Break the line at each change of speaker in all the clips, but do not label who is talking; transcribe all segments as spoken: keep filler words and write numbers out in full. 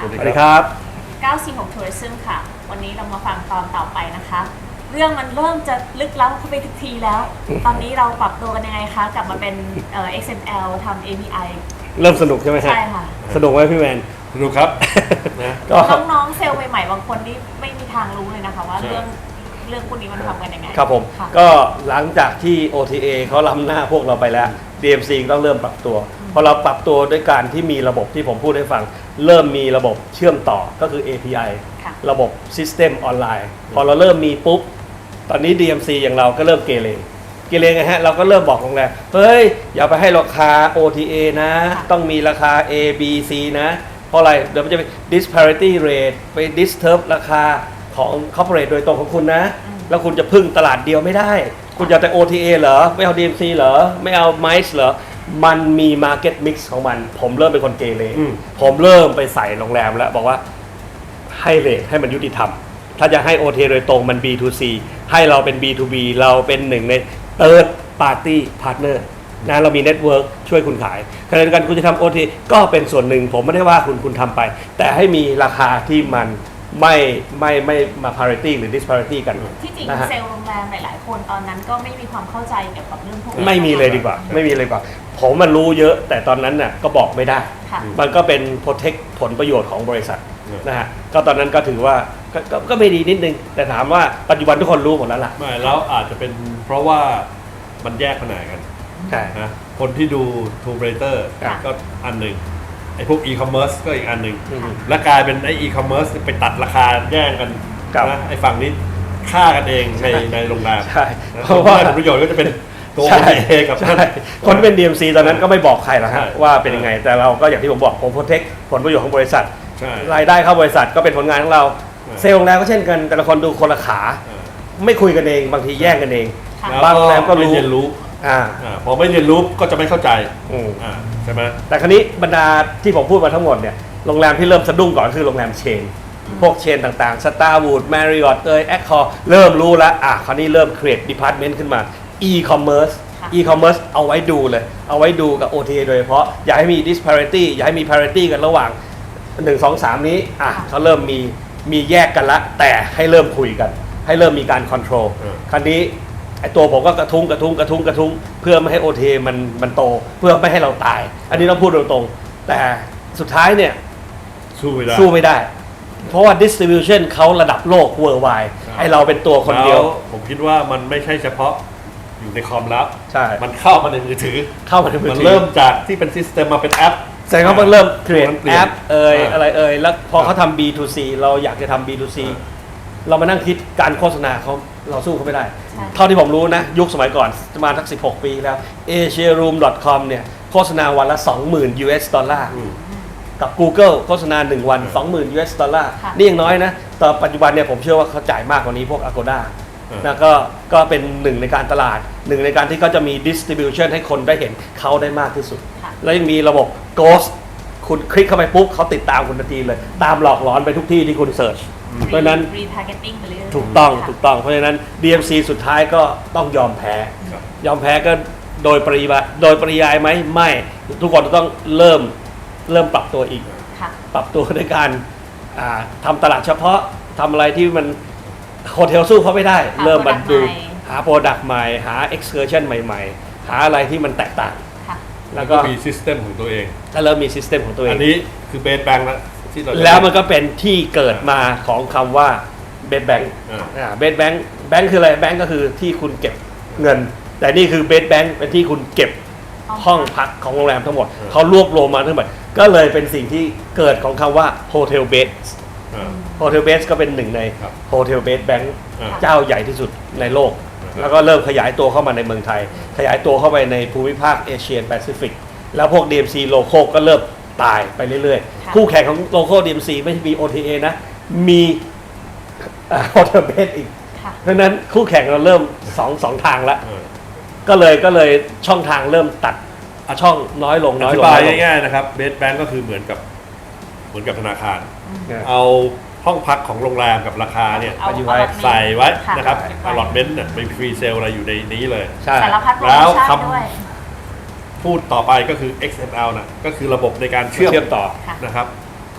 สวัสดีครับ
เก้าสี่หก Tourism ค่ะวันนี้เรามาฟังตอนต่อไปนะคะเรื่องมันเริ่มจะลึกล้ำเข้าไปทุกทีแล้ว ตอนนี้เราปรับตัวกันยังไงคะกลับมาเป็นเอ่อ เอ็กซ์ เอ็ม แอล ทำ เอ พี ไอ
เริ่มสนุกใช่ไหมฮะ
ใช่ค่ะ
สนุกไหมพี่แมน
สนุกครับนะ
ก็
น้องๆเซลล์ใหม่ๆบางคนนี่ไม่มีทางรู้เลยนะคะว่าเรื่องเรื่องพวกนี้มันทำกันยังไง
ครับผม
ค่ะ
ก็หลังจากที่ โอ ที เอ เขาล้ำหน้าพวกเราไปแล้ว ดี เอ็ม ซี ต้องเริ่มปรับตัวพอเราปรับตัวด้วยการที่มีระบบที่ผมพูดให้ฟัง เริ่มมีระบบเชื่อมต่อก็คือ เอ พี ไอ
ค่ะ
ระบบ System ออนไลน์พอเราเริ่มมีปุ๊บตอนนี้ ดี เอ็ม ซี อย่างเราก็เริ่มเกเรเกเรไงฮะเราก็เริ่มบอกโรงแรมเฮ้ยอย่าไปให้ราคา โอ ที เอ นะต้องมีราคา A B C นะเพราะอะไรเดี๋ยวมันจะไป disparity rate ไป disturb ราคาของ corporate โดยตรงของคุณนะแล้วคุณจะพึ่งตลาดเดียวไม่ได้คุณจะแต่ โอ ที เอ เหรอไม่เอา ดี เอ็ม ซี เหรอไม่เอา ไมซ์ เหรอมันมี market mix ของมันผมเริ่มเป็นคนเกเรผมเริ่มไปใส่โรงแรมแล้วบอกว่าให้เรทให้มันยุติธรรมถ้าจะให้ โอ ที เอ โดยตรงมัน บี ทู ซี ให้เราเป็น บี ทู บี เราเป็นหนึ่งใน third party partner นะเรามีเน็ตเวิร์กช่วยคุณขายขณะเดียวกันคุณจะทำ โอ ที ก็เป็นส่วนหนึ่งผมไม่ได้ว่าคุณคุณทำไปแต่ให้มีราคาที่มันไม่ไม่ไม่มา parity หรือ disparity กัน
ที่จริง
นะฮะ
เซลล์โรงแรมหลายๆคนตอนนั้นก็ไม่มีความเข้าใจเกี่ยวกับเรื่องพวกนี้
ไม่มีเลยดีกว่าไม่มีเลยดีกว่าผมมันรู้เยอะแต่ตอนนั้นน่ะก็บอกไม่ได้
ค่ะ
มันก็เป็น protect ผลประโยชน์ของบริษัทนะฮะก็ตอนนั้นก็ถือว่าก็ก็ก็ไม่ดีนิดนึงแต่ถามว่าปัจจุบันทุกคนรู้หมดแล้วล่ะ
ไม่แล้วอาจจะเป็นเพราะว่ามันแยกแผนกกัน
ใช่
นะคนที่ดู Tomb Raider
ค่ะ
ก็อันหนึ่งไอ้พวก e-commerce ก็อีกอันหนึ่ง
อืม
และกลายเป็นไอ้ e-commerce ไปตัดราคาแย่งกัน
ครับ
นะไอ้ฝั่งนี้ฆ่ากันเองในในโรงแรม
ใช่
นะ
เพราะว่า
ผลประโยชน์ก็จะเป็นตัว
ใช่
เอกับ
ใช่คนเป็น ดี เอ็ม ซี ตอนนั้นก็ไม่บอกใครหรอกฮะ
ใช่
ว่าเป็นยังไงแต่เราก็อย่างที่ผมบอกผม protect ผลประโยชน์ของบริษัท
ใช่
รายได้เข้าบริษัทก็เป็นผลงานของเรา
ใช่
เซลล์โรงแรมก็เช่นกันแต่ละคนดูคนละขา
เออ
ไม่คุยกันเองบางทีแย่งกันเอง
ค่ะ
แล้ว
บางโรงแรมก็รู้
ไม่เรียนรู้
อ่า
อ่าพอไม่เรียนรู้ก็จะไม่เข้าใจ
อืม
อ่าใช่ไหม
แต่คราวนี้บรรดาที่ผมพูดมาทั้งหมดเนี่ยโรงแรมที่เริ่มสะดุ้งก่อนคือโรงแรมเชน พวกเชนต่างๆ Starwood Marriott เอย Accor เริ่มรู้แล้วอ่ะคราวนี้เริ่ม create department ขึ้นมา e-commerce
ค่ะ
e-commerce เอาไว้ดูเลย เอาไว้ดูกับ โอ ที เอ โดยเฉพาะอย่าให้มี disparity อย่าให้มี parity กันระหว่างหนึ่ง สอง สามนี้อ่ะเขาเริ่มมีมีแยกกันละแต่ให้เริ่มคุยกัน ให้เริ่มมีการ control คราวนี้ไอตัวผมก็กระทุ้งกระทุ้งกระทุ้งกระทุ้งเพื่อไม่ให้ โอ ที เอ มันมันโตเพื่อไม่ให้เราตาย อันนี้ต้องพูดตรงๆแต่สุดท้ายเนี่ย
สู้ไม่ได้
สู้ไม่ได้ เพราะว่า distribution เขาระดับโลก worldwide
ครับ
ไอเราเป็นตัวคนเดียว
แล้วผมคิดว่ามันไม่ใช่เฉพาะอยู่ในคอมแล้ว
ใช่
มันเข้ามาในมือถือ
เข้ามาในมือ
มัน
ถือ
เริ่มจากที่เป็นซิสเต็มมาเป็นแอป
แสดงว่ามันเริ่ม create
มันเปลี่ย
แอน ปเอ่ย
อ่า
อะไรเอ่ยแล้วพอ
ครับ
เขาทำ บี ทู ซี เราอยากจะทำ บี ทู ซี
อ่า
เรามานั่งคิดการโฆษณาเขาเราสู้เขาไม่ได้
ใช่
เท่าที่ผมรู้นะ ยุคสมัยก่อนประมาณสักสิบหกปีแล้ว เอเชียรูม ดอท คอม เนี่ยโฆษณาวันละ สองหมื่น ยู เอส ดอลลาร์
อืม
กับ Google โฆษณาหนึ่งวัน สองหมื่น ยู เอส ดอลลาร์
ค่ะ
นี่ยังน้อยนะแต่ปัจจุบันเนี่ยผมเชื่อว่าเขาจ่ายมากกว่านี้พวก Agoda
อ่าน
นะก็ก็เป็นหนึ่งในการตลาดหนึ่งในการที่เขาจะมี distribution ให้คนได้เห็นเขาได้มากที่สุด
ค่ะ
แล้วยังมีระบบ Ghost คุณคลิกเข้าไปปุ๊บเขาติดตามคุณทันทีเลย ตามหลอกหลอนไปทุกที่ที่คุณเสิร์ชเพราะฉะนั้น
retargeting ไปเรื่อยๆ
ถูกต้อง
ค่ะ
ถูกต้องเพราะฉะนั้น ดี เอ็ม ซี สุดท้ายก็ต้องยอมแพ้
ครับ
ยอมแพ้ก็โดยปริยายโดยปริยายไหมไม่ทุกคนต้องเริ่มเริ่มปรับตัวอีก
ค่ะ
ปรับตัวด้วยการอ่าทำตลาดเฉพาะทำอะไรที่มันโฮเทลสู้เขาไม่ได้
หา
เริ่มมา
product
ดู
ใหม่
หาโปรดักต์ใหม่ หา excursion ใหม่ๆ หาอะไรที่มันแตกต่าง
ค่ะ
แล้วก็
มีซิสเต็มของตัวเอง
ก็เริ่มมีซิสเต็มของตัวเอ
อั
ง
นนี้คือเบสแบงค์แล้วที่เราจะ
แล้วมันก็เป็นที่เกิดมาของคำว่าเบสแบงค์
อ่า
เบสแบงค์แบงค์คืออะไรแบงค์ก็คือที่คุณเก็บเงิน แต่นี่คือเบสแบงค์เป็นที่คุณเก็บห้องพักของโรงแรมทั้งหมด
อ่า
เขารวบรวมมาทั้งหมดก็เลยเป็นสิ่งที่เกิดของคำว่าโฮเทลเบส
อ่า
โฮเทลเบสก็เป็นหนึ่งใน
ครับ
โฮเทลเบสแบงค์
อ่า
เจ้าใหญ่ที่สุดในโลก
อ่า
แล้วก็เริ่มขยายตัวเข้ามาในเมืองไทย ขยายตัวเข้าไปในภูมิภาคเอเชียแปซิฟิกแล้วพวก ดี เอ็ม ซี โลโก้ก็เริ่มตายไปเรื่อย
ค่ะ
ๆ คู่แข่งของโลโก้ ดี เอ็ม ซี ไม่ใช่มี โอ ที เอ นะ มีโฮเทลเบสอีก
ค่ะ
เพราะฉะนั้นคู่แข่งเราเริ่มสองสองทางแล้ว
อ่า
ก็เลยก็เลยช่องทางเริ่มตัดช่องน้อยลง
อ
น้อยล
ธิ
ง
บาย
น้อยลง
ง่ายๆนะครับเบสแบงค์ก็คือเหมือนกับเหมือนกับธนาคาร
เนี่ย
เอาห้องพักของโรงแรมกับราคาเนี่ย
เอา
อยู่ไว้
allotment
ใส่ไว้
ค่ะ
นะครับ
เก็บไว้
อลอตเมนต์เนี่ยไม่ฟรีเซลอะไรอยู่ในนี้เลย
ใช่
สารพัดโปร
แล้
โม
ว
ชั่น
คำ
ด้วย
พูดต่อไปก็คือ เอ็กซ์ เอ็ม แอล นะก็คือระบบในการเชื่อม
เชื่อมต่อ
ค่ะ
นะครับ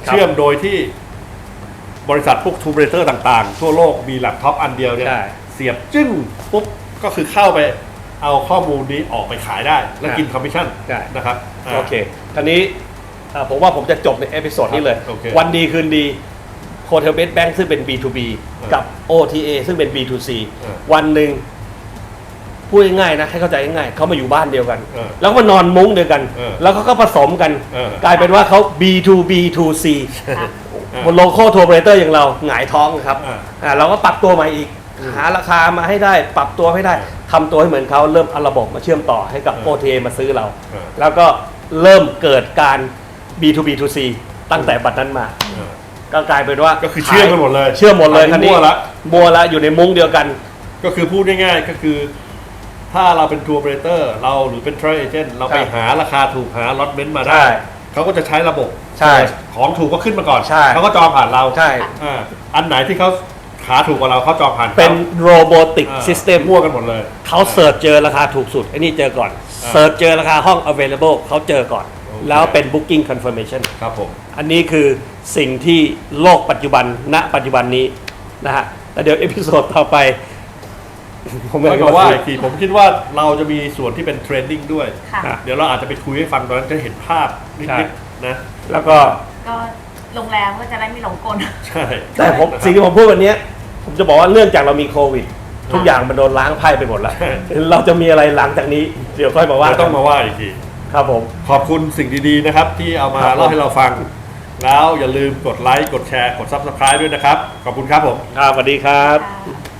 ครับ
เชื่อมโดยที่บริษัทพวกทูเบรเตอร์ต่างๆ ทั่วโลกมีแล็ปท็อปอันเดียวเนี่ย
ใช่
เสียบจึ้งปุ๊บก็คือเข้าไปเอาข้อมูลนี้ออกไปขายได้ แล้วกินคอมมิชชั่น
ใช่
นะครับา
โอเคทีนี้อ่าผมว่าผมจะจบในเอพิโซดนี้เลย
โอเค
วันดีคืนดีโคเทลเบสแบงค์ซึ่งเป็น บี ทู บี
เออ
กับ โอ ที เอ ซึ่งเป็น บี ทู ซี
เออ
วันหนึ่งพูดง่ายๆนะให้เข้าใจง่ายๆเขามาอยู่บ้านเดียวกัน
เออ
แล้วก็มานอนมุ้งเดียวกัน
เออ
แล้วเขาก็ผสมกัน
เออ
กลายเป็นว่าเขา บี ทู บี ทู ซี
ค่ะ
บนโลโก้ทัวร์เบรเตอร์อย่างเราหงายท้องครับ
อ่า
อ่าเราก็ปรับตัวใหม่อีก หาราคามาให้ได้ ปรับตัวให้ได้ทำตัวให้เหมือนเขาเริ่มเอาระบบมาเชื่อมต่อให้กับ
เออ
โอ ที เอ มาซื้อเรา
เออ
แล้วก็เริ่มเกิดการ บี ทู บี ทู ซี ตั้งแต่บัดนั้นมา
เออ
ก็กลายเป็นว่า
ก็คือเชื่อมกันหมดเลย
เชื่อมหมดเลย
อัน
คัน
นี้
นี้
มั่วละ
มัวละอยู่ในมุ้งเดียวกัน
ก็คือพูดง่ายๆก็คือ ถ้าเราเป็นทัวร์เบรเตอร์เราหรือเป็นทรเอเจนต์เราไป
ใช่
หาราคาถูกหาล็อตเมนต์มา
ใช่
ได้ เขาก็จะใช้ระบบ
ใช่
ของถูกก็ขึ้นมาก่อน
ใช่
เขาก็จองผ่านเรา
ใช่
อ่าอันไหนที่เขาขาถูกกว่าเราเขาจองผ่านขา
เป็นโรบอติก
อ่า
ซิสเต็ม
มั่วกันหมดเลย
เขาเสิร์ชเจอราคาถูกสุดไอ้นี่เจอก่อน
อ่า
เสิร์ชเจอราคาห้อง available เขาเจอก่อน
โอเค
แล้วเป็น booking confirmation
ครับผม
อันนี้คือสิ่งที่โลกปัจจุบันณปัจจุบันนี้นะฮะแล้วเดี๋ยวเอพิโซดต่อไป ผม
ไม่
ไม่
ก็ว่าอีกทีผมคิดว่าเราจะมีส่วนที่เป็นเทรนดิ้งด้วย
ค่ะ
อ่ะ
เดี๋ยวเราอาจจะไปคุยให้ฟังตอนนั้นจะเห็นภาพ
ใช่
นิดๆนะ
แล้วก็
ก็โรงแรมก็จะได้ไม่หลงกล
ใช่
แต่ผมสิ่งที่ผมพูดวันนี้ผมจะบอกว่าเนื่องจากเรามีโควิด ทุกอย่างมันโดนล้างไพ่ไปหมดแล้ว เราจะมีอะไรหลังจากนี้ เดี๋ยวค่อยมาว่า
ว่าต้องมาว่าอีกที
ครับผม
ขอบคุณสิ่งดีๆนะครับ ที่เอามา
ครับผม
เล่าให้เราฟัง แล้วอย่าลืมกดไลค์กดแชร์กด ซับสไครบ์ ด้วยนะครับ ขอบคุณครับผม
ครับสวัสดีครับ
ค่ะ